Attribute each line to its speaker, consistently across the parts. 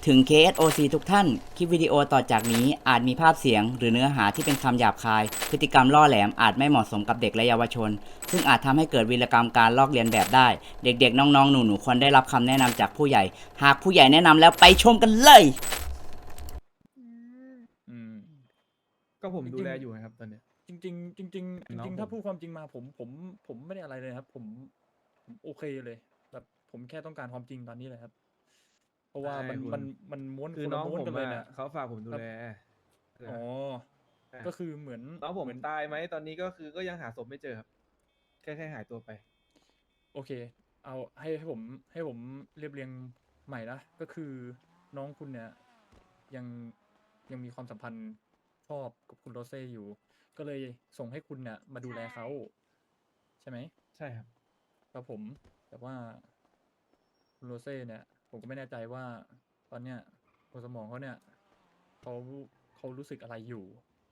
Speaker 1: ถึง KSOC ทุกท่าน คลิปวิดีโอต่อจากนี้อาจมีภาพเสียงหรือเนื้อหาที่เป็นคำหยาบคาย พฤติกรรมล่อแหลมอาจไม่เหมาะสมกับเด็กและเยาวชน ซึ่งอาจทำให้เกิดวีรกรรมการลอกเลียนแบบได้ เด็กๆ น้องๆ หนูๆ ควรได้รับคำแนะนำจากผู้ใหญ่ หากผู้ใหญ่แนะนำแล้วไปชมกันเลย
Speaker 2: อืม
Speaker 3: อืม
Speaker 4: ก็ผม
Speaker 3: จริงๆ
Speaker 4: ดูแลอยู่นะครับตอนเนี้ย
Speaker 3: จริงๆจริงๆจ
Speaker 4: น้อง
Speaker 3: ริง
Speaker 4: ผม
Speaker 3: ๆถ้าพูดความจริงมาผมไม่ได้อะไรเลยครับ ผมโอเคเลยแบบผมแค่ต้องการความจริงตอนนี้เลยครับ เพราะว่ามัน
Speaker 4: ใช่คุณ
Speaker 3: มันม้วน
Speaker 4: คือ
Speaker 3: คน
Speaker 4: น้
Speaker 3: ละ
Speaker 4: อง
Speaker 3: ม้วน
Speaker 4: ผม
Speaker 3: กันเลย
Speaker 4: อะ
Speaker 3: เนี่ย
Speaker 4: เขาฝากผมดูแล
Speaker 3: อ๋อ
Speaker 4: ใช่
Speaker 3: ก็คือเหมือน
Speaker 4: น้องผม
Speaker 3: เหมือน
Speaker 4: ตายไหมตอนนี้ก็คือก็ยังหาศพไม่เจอครับแค่หายตัวไป
Speaker 3: โอเค เอาให้ผมเรียบเรียงใหม่นะก็คือน้องคุณเนี่ยยังยังมีความสัมพันธ์ชอบกับคุณโรเซ่อยู่ ก็เลยส่งให้คุณเนี่ยมาดูแลเขาใช่ไหม
Speaker 4: ใช่ครับ
Speaker 3: ครับผมแต่ว่าคุณโรเซ่เนี่ย ผมก็ไม่แน่ใจว่าตอนเนี้ยหัวสมองเขาเนี่ยเขาเขารู้สึกอะไรอยู่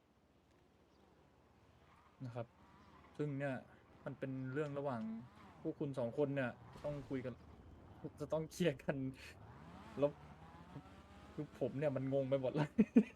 Speaker 3: นะครับ ซึ่งเนี่ยมันเป็นเรื่องระหว่างพวกคุณสองคนเนี่ยต้องคุยกันจะต้องเคลียร์กันแล้วคือผมเนี่ยมันงงไปหมดเลย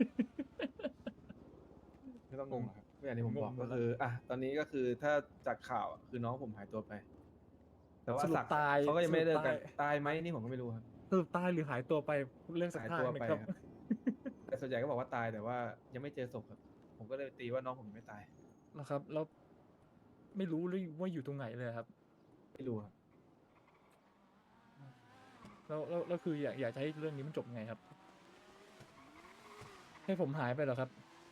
Speaker 4: ไม่ต้องงงหรอกครับอย่างที่ผม
Speaker 3: งง
Speaker 4: บอก
Speaker 3: หม
Speaker 4: ก็
Speaker 3: ดแล้ว
Speaker 4: คืออ่ะตอนนี้ก็คือถ้าจากข่าวอะคือน้องผมหายตัวไป แต่ว่า
Speaker 3: สรุป
Speaker 4: ศักดิ์
Speaker 3: ตาย
Speaker 4: เขาก็ยังไม่ได้เลิกกัน
Speaker 3: สรุปตาย
Speaker 4: ตายไหมนี่ผมก็ไม่รู้ครับ
Speaker 3: สรุปตายหรือหายตัวไปเรื่องสัก
Speaker 4: หาย
Speaker 3: ทาง
Speaker 4: ตัว
Speaker 3: หนึ่
Speaker 4: ไป
Speaker 3: งครับ
Speaker 4: ครับ แต่ส่วนใหญ่ก็บอกว่าตายแต่ว่ายังไม่เจอศพครับ ผมก็เลยตีว่าน้องผมยังไม่ตาย
Speaker 3: นะครับ แล้วไม่รู้เลยว่าอยู่ตรงไหนเลยครับ
Speaker 4: ไม่รู้ครับ
Speaker 3: แล้วคืออยากจะให้เรื่องนี้มันจบยังไงครับ ให้ผมหายไปเหรอครับ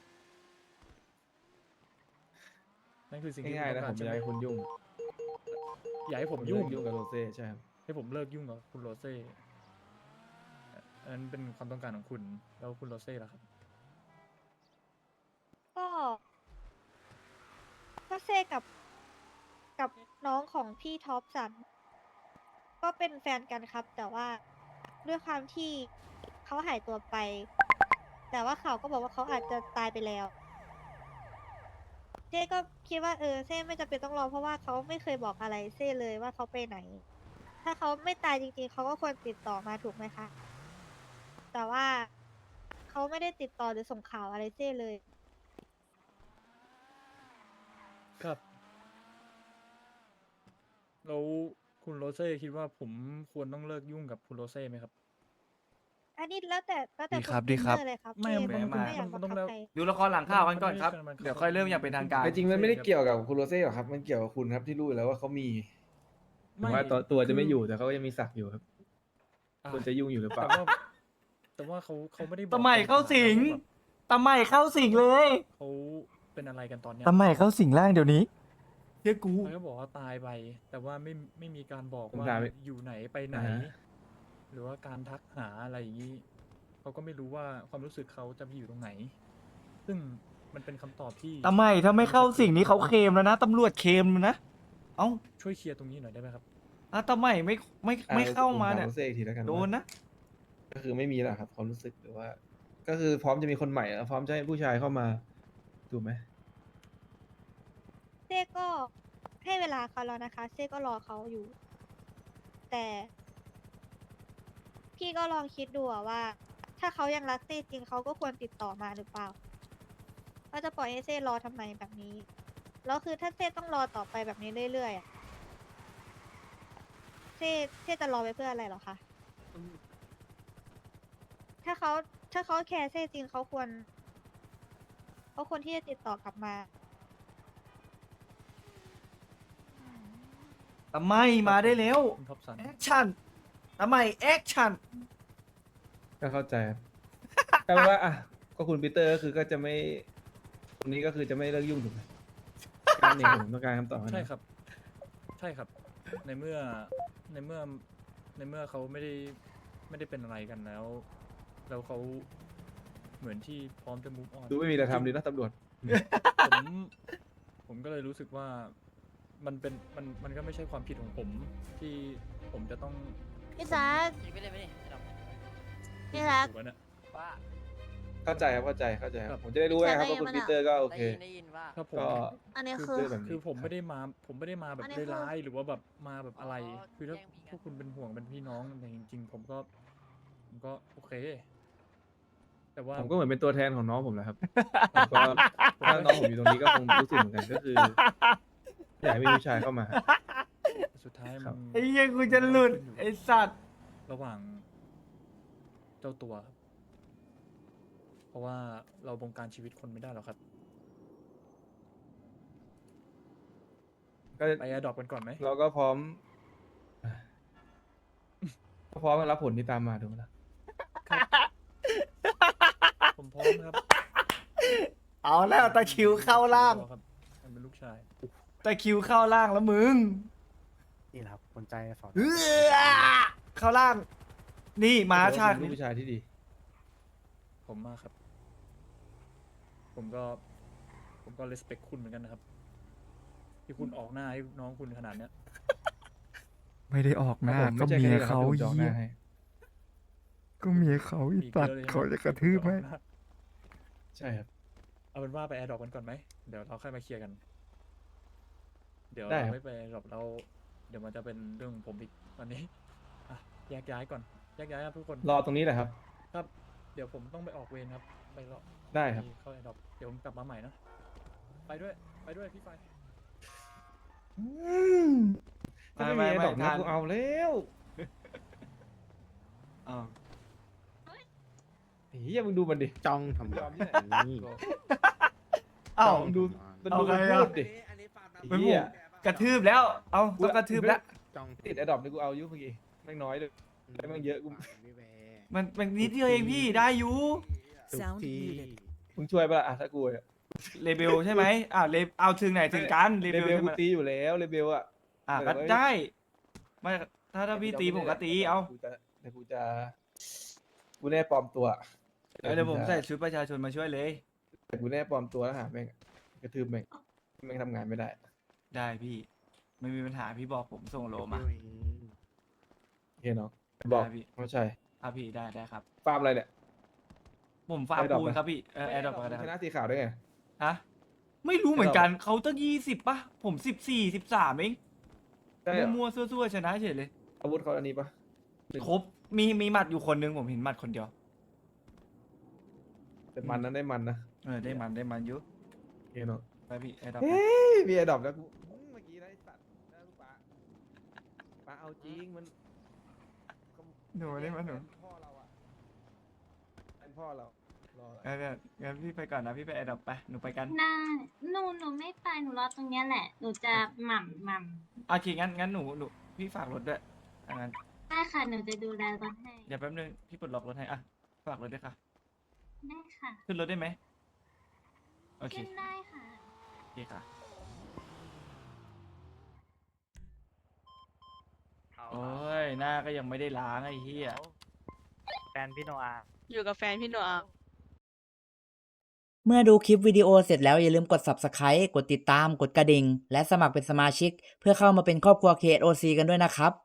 Speaker 3: นั่นคือสิ่งที่
Speaker 4: ง่ายๆ
Speaker 3: คุณ
Speaker 4: นะ
Speaker 3: ต้
Speaker 4: ผ
Speaker 3: อง
Speaker 4: ม
Speaker 3: การ
Speaker 4: ไม่
Speaker 3: ใช่
Speaker 4: อยาก
Speaker 3: ไหม
Speaker 4: ให้คุณยุ่ง
Speaker 3: อยากให้ผม
Speaker 4: ผม
Speaker 3: ยุ่ง
Speaker 4: ยุ่งกับโรเซ่ใช่ครับ
Speaker 3: ให้ผมเลิกยุ่งกับคุณโรเซ่อันนั้นเป็นความต้องการของคุณ แล้วคุณโรเซ่ล่ะครับ
Speaker 2: ก็เซ่กับน้องของพี่ท็อปสัน ก็เป็นแฟนกันครับ แต่ว่าด้วยความที่เขาหายตัวไป แต่ว่าข่าวก็บอกว่าเขาอาจจะตายไปแล้วเซ่ก็คิดว่าเซ่ไม่จำเป็นต้องรอเพราะว่าเขาไม่เคยบอกอะไรเซ่เลยว่าเขาไปไหน ถ้าเขาไม่ตายจริงๆเขาก็ควรติดต่อมาถูกไหมคะ แต่ว่าเขาไม่ได้ติดต่อหรือส่งข่าวอะไรเซ่เลย
Speaker 3: ครับ แล้วคุณโรเซ่คิดว่าผมควรต้องเลิกยุ่งกับคุณโรเซ่ไหมครับ
Speaker 2: อันนี้แล้วแต่
Speaker 5: ดี
Speaker 2: ณ
Speaker 5: ครับ
Speaker 2: ปี
Speaker 5: ดีครับ
Speaker 2: เตอร์เลยครับ
Speaker 3: ไม่
Speaker 2: พี่
Speaker 3: มัน
Speaker 2: ผม
Speaker 3: มัน
Speaker 2: ไม่อยาก
Speaker 3: มั
Speaker 2: บั
Speaker 3: น
Speaker 2: ง
Speaker 3: ต้อง
Speaker 2: คับ
Speaker 3: แล้ว
Speaker 2: ใคร
Speaker 5: ดูละครหลังข่าวกันก่อนครับ
Speaker 3: มันไม่ได้
Speaker 5: เดี๋ยวค่อยเริ่มอย่างเป็นทางการ
Speaker 4: แต่จริงมันไม่ได้เกี่ยวกับคุณโรเซ่หรอกครับ มันเกี่ยวกับคุณครับที่รู้อยู่แล้วว่าเขามีถึงว่าตัวจะไม่อยู่แต่เขาก็ยังมีศักดิ์อยู่ครับ
Speaker 3: อ่ะ
Speaker 4: ควรจะยุ่งอยู่หรือเปล่า
Speaker 3: แต่ว่าเขาไม่ได้บอก
Speaker 5: ตะใหม่เข้าสิง
Speaker 3: แบบ
Speaker 5: ตะใหม่เข้าสิงเลย
Speaker 3: เขาเป็นอะไรกันตอนเนี้ย
Speaker 5: ตะใหม่เข้าสิงร่างเดี๋ยวนี้เชื่อกู
Speaker 3: เขาก็บอกว่าตายไป แต่ว่าไม่มีการบอก
Speaker 4: ผม
Speaker 3: ว่า
Speaker 4: ถาม
Speaker 3: อยู่ไหนไปไหน
Speaker 4: อ่าฮะ
Speaker 3: หรือว่าการทักหาอะไรอย่างนี้เขาก็ไม่รู้ว่าความรู้สึกเขาจะไปอยู่ตรงไหน ซึ่งมันเป็นคำตอบที่
Speaker 5: ตะใหม่ถ้าไม่เข้าสิงนี้เขาเคลมแล้วนะตำรวจเคลมนะ เอ้า
Speaker 3: ช่วยเคลียร์ตรงนี้หน่อยได้ไหมครับ
Speaker 5: อ่ะตะใหม่ไม่เข้ามาเนี่ย
Speaker 4: ผถโรเซ่อีกทีแล้วกัน
Speaker 5: โดน
Speaker 4: ว่า
Speaker 5: นะ
Speaker 4: ก็คือไม่มีแล้วครับความรู้สึกหรือว่า ก็คือพร้อมจะมีคนใหม่แล้วพร้อมจะให้ผู้ชายเข้ามาถูกไหม
Speaker 2: เซ่ก็ให้เวลาเขาแล้วนะคะ เซ่ก็รอเขาอยู่ แต่ พี่ก็ลองคิดดูอะว่า ถ้าเขายังรักเซ่จริงเขาก็ควรติดต่อมาหรือเปล่าว่าจะปล่อยให้เซ่รอทำไมแบบนี้ แล้วคือถ้าเซ่ต้องรอต่อไปแบบนี้เรื่อยๆอะเซ่จะรอไปเพื่ออะไรเหรอคะ ถ้าเขาแคร์เซ่จริงเขาควรที่จะติดต่อกลับมา
Speaker 5: ตะใหม่มาได้แล้ว
Speaker 3: คุณท็อปสัน
Speaker 5: แอคชั่นตะใหม่แอคชั่น
Speaker 4: ก็เข้าใจครับ แปลว่าอ่ะก็คุณปีเตอร์ก็คือก็จะไม่ตรงนี้ก็คือจะไม่เลิกยุ่งถูกไหมการนี้ผมต้องการคำตอบนะ
Speaker 3: ใช่ครับ ใช่ครับ ในเมื่อในเมื่อเขาไม่ได้เป็นอะไรกันแล้ว แล้วเขาเหมือนที่พร้อมจะ move on
Speaker 4: ดูไม่มีอะไรทำดีนะตำรวจ
Speaker 3: ผมก็เลยรู้สึกว่ามันก็ไม่ใช่ความผิดของผมที่ผมจะต้อง
Speaker 2: พี่ซัก
Speaker 1: ยิงไปเลยไปดิ
Speaker 2: พี่ซัก
Speaker 3: ถูกแล้วเนี่ย
Speaker 1: ว่า
Speaker 4: เข้าใจครับเข้าใจค
Speaker 2: ครั
Speaker 4: รับบ ผมจะได้รู้ไงครับว่าคุณปีเตอร์ก็โอเค
Speaker 1: ได้ยินว่า
Speaker 3: ครับผม
Speaker 4: ก็
Speaker 2: อันนี้
Speaker 4: คื
Speaker 2: คือ
Speaker 4: แบบนี้
Speaker 3: คือผมไม่ได้มาแบบ
Speaker 2: อันนี้คือ
Speaker 3: ร้ายๆหรือว่าแบบมาแบบอะไร
Speaker 1: อ๋อ
Speaker 3: คือถ้า
Speaker 1: แย่งมีกัน
Speaker 3: พวกคุณเป็นห่วงเป็นพี่น้องแต่จริงๆ ผมก็ผมก็โอเค แต่ว่า
Speaker 4: ผมก็เหมือนเป็นตัวแทนของน้องผมแหละครับ ผมก็ถ้าน้องผมอยู่ตรงนี้ก็คงรู้สึกเหมือนกันก็คืออยากให้มีผู้ชายเข้ามา
Speaker 3: สุดท้าย
Speaker 4: ครั
Speaker 3: มั
Speaker 4: บ
Speaker 3: น
Speaker 5: ไอ้เหี้ยกูจะหลุดไอ้สัตว์
Speaker 3: ระหว่างเจ้าตัวครับเพราะว่าเราบงการชีวิตคนไม่ได้หรอกครับ
Speaker 4: ก็
Speaker 3: ไปแอร์ดรอปกันก่อนไหม
Speaker 4: เราก็พร้อมก็พร้อมรับผลที่ตามมาถูกไหมล่ะ
Speaker 3: ผมพร้อมครับ
Speaker 5: เอาแล้วตะคริวเข้าล่าง
Speaker 3: ครับมันเป็นลูกชาย
Speaker 5: ตะคริวเข้าล่างแล้วมึง
Speaker 6: นี่แหละครับคนใจสอน
Speaker 5: เออเข้าล่าง นี่มาชาติ
Speaker 4: ถือว่คุณเป็นลูกผู้ชายที่ดี
Speaker 3: ผมมากครับ ผมก็ respect คุณเหมือนกันนะครับ ที่คุณออกหน้าให้น้องคุณขนาดเนี้ย
Speaker 5: ไม่ได้ออกหน้า
Speaker 4: ผม
Speaker 5: ก็
Speaker 4: ไม่ใช่
Speaker 5: เมีย
Speaker 4: แค่นี้หรอกครับ
Speaker 5: เขา
Speaker 4: ที่ผมจะออกห
Speaker 5: เหี้
Speaker 4: น้าย ให้
Speaker 5: ก็เมียเขาอี
Speaker 3: มี
Speaker 5: ตัด
Speaker 3: เยอะเลย
Speaker 5: เขาจะกระทืบไหม
Speaker 3: ออกน้า
Speaker 4: ใช่ครับ
Speaker 3: เอาเป็นว่าไปแอร์ดรอปกันก่อนไหม เดี๋ยวเราค่อยมาเคลียร์กัน เดี๋ยว
Speaker 4: ได้
Speaker 3: เรา
Speaker 4: ครับ
Speaker 3: ไม่ไปแอร์ดรอปเราเดี๋ยวมันจะเป็นเรื่องของผมอีกวันนี้ อ่ะแยกย้ายก่อน แยกย้ายครับทุกคน
Speaker 4: รอตรงนี้แหละครับ
Speaker 3: ครับ เดี๋ยวผมต้องไปออกเวรครับ ไปรอ
Speaker 4: ได้ครับ
Speaker 3: ไปเข้าแอร์ดรอปเดี๋ยวผมกลับมาใหม่นะ ไปด้วย ไปด้วยพี่ไฟ
Speaker 4: ถ้าไม่มีไอ้ดอกนะ
Speaker 5: ทาน
Speaker 4: กูเอาแล้ว
Speaker 5: อ้าว
Speaker 4: เฮียมึงดูมันดิ
Speaker 6: จ้องทำ
Speaker 4: ยอมที่ไหน
Speaker 6: นี่
Speaker 5: อ้าว
Speaker 4: มึงดูมัน
Speaker 5: เอา
Speaker 4: ดู
Speaker 5: ไง
Speaker 4: มัน
Speaker 5: อะ
Speaker 4: พูดดิ
Speaker 5: เป็น
Speaker 4: เหี้
Speaker 5: ผม
Speaker 4: ย
Speaker 5: กระทืบแล้ว เอาต้องกระทืบแล้ว
Speaker 6: จ้อง
Speaker 4: ติดไอ้ดอกนี่กูเอาอยุ่เมื่อกี้แม่งน้อยเลย แล้วมันเยอะกู
Speaker 6: ไม่แวร์
Speaker 5: มันนิดเดียวเองพี่ได้อยู่
Speaker 6: ทุกที
Speaker 4: มึงช่วยปะล่ะอ่ะถ้ากูอะ
Speaker 5: เลเบลใช่ไหมอ้าวเอาถึงไหนถึงกันเล
Speaker 4: เล
Speaker 5: เบล
Speaker 4: เบล
Speaker 5: ใช่
Speaker 4: กู
Speaker 5: ไหม
Speaker 4: ตีอยู่แล้วเลเบลอะ
Speaker 5: อ่ะ
Speaker 4: เออ
Speaker 5: ก็
Speaker 4: เว้ย
Speaker 5: ได้ไม่ถ้าพี่ตีผมก็ตีเอา
Speaker 4: แต่กูจะกูแน่ปลอมตัว
Speaker 5: เดี๋ยวผมใส่ชุดประชาชนมาช่วยเลย
Speaker 4: แต่กูแน่ปลอมตัวแล้วหาแม่งกระทืบแม่งแม่งทำงานไม่ได้
Speaker 5: ได้พี่ไม่มีปัญหาพี่บอกผมส่งโลมา
Speaker 4: โอเคเนาะบอก
Speaker 5: ได้พี่
Speaker 4: ไม่ใช่
Speaker 5: ครับพี่ได้ครับ
Speaker 4: ฟาร์มอะไรเนี่ย
Speaker 5: ผมฝาก
Speaker 4: Adopt
Speaker 5: ปูน
Speaker 4: ไหม
Speaker 5: ครับพี่แอร์ดรอปก็ได้
Speaker 4: ช
Speaker 5: ค
Speaker 4: นะ
Speaker 5: รับ
Speaker 4: สีขาวได้ไง
Speaker 5: ฮะไม่รู้เหมือนกันเขาตั้ง20ป่ะผม14 13เอง
Speaker 4: ได้เหรอ
Speaker 5: มั่วๆซั่วๆชนะเฉยเลย
Speaker 4: อาวุธเขาอันนี้ปะ
Speaker 5: ครบมีหมัดอยู่คนนึงผมเห็นหมัดคนเดียว
Speaker 4: แต่มันนั้นได้มันนะ
Speaker 5: ได้มันอยู่
Speaker 4: โอเคเนาะ
Speaker 5: ไปพี่แอร์ดรอป
Speaker 4: เฮ้ยมีไอ้ดอกแล้วกูเมื่อกี้นะไอ้สัตว์นะลูกป้าเอาจริงมัน
Speaker 5: หนูได้ไหมหนู
Speaker 4: พ่อเราอะเป็นพ่อเรารอ
Speaker 5: งั้นพี่ไปก่อนนะพี่ไปแอร์ดรอปไปหนูไปกัน
Speaker 7: ได้หนูไม่ไปหนูรอตรงเนี้ยแหละ หนูจะหม่ำ
Speaker 5: โอเคงั้นหนูพี่ฝากรถด้วยงั้น
Speaker 7: ได้ค่ะ หนูจะดูแลรถให้
Speaker 5: เดี๋ยวแป๊บนึงพี่ปลดล็อกรถให้อ่ะฝากรถด้วยค่ะ
Speaker 7: ได้ค่ะ
Speaker 5: ขึ้นรถได้ไหมโอเค
Speaker 7: ขึ้นได้ค่ะ
Speaker 5: โอเคค่ะโอ้ยหน้าก็ยังไม่ได้ล้างไอ้เหี้ย
Speaker 6: แฟนพี่โนอา
Speaker 8: อยู่กับแฟนพี่หนูอ่ะ
Speaker 1: เมื่อดูคลิปวิดีโอเสร็จแล้วอย่าลืมกด Subscribe กดติดตาม กดกระดิ่ง และสมัครเป็นสมาชิก เพื่อเข้ามาเป็นครอบครัว KSOC กันด้วยนะครับ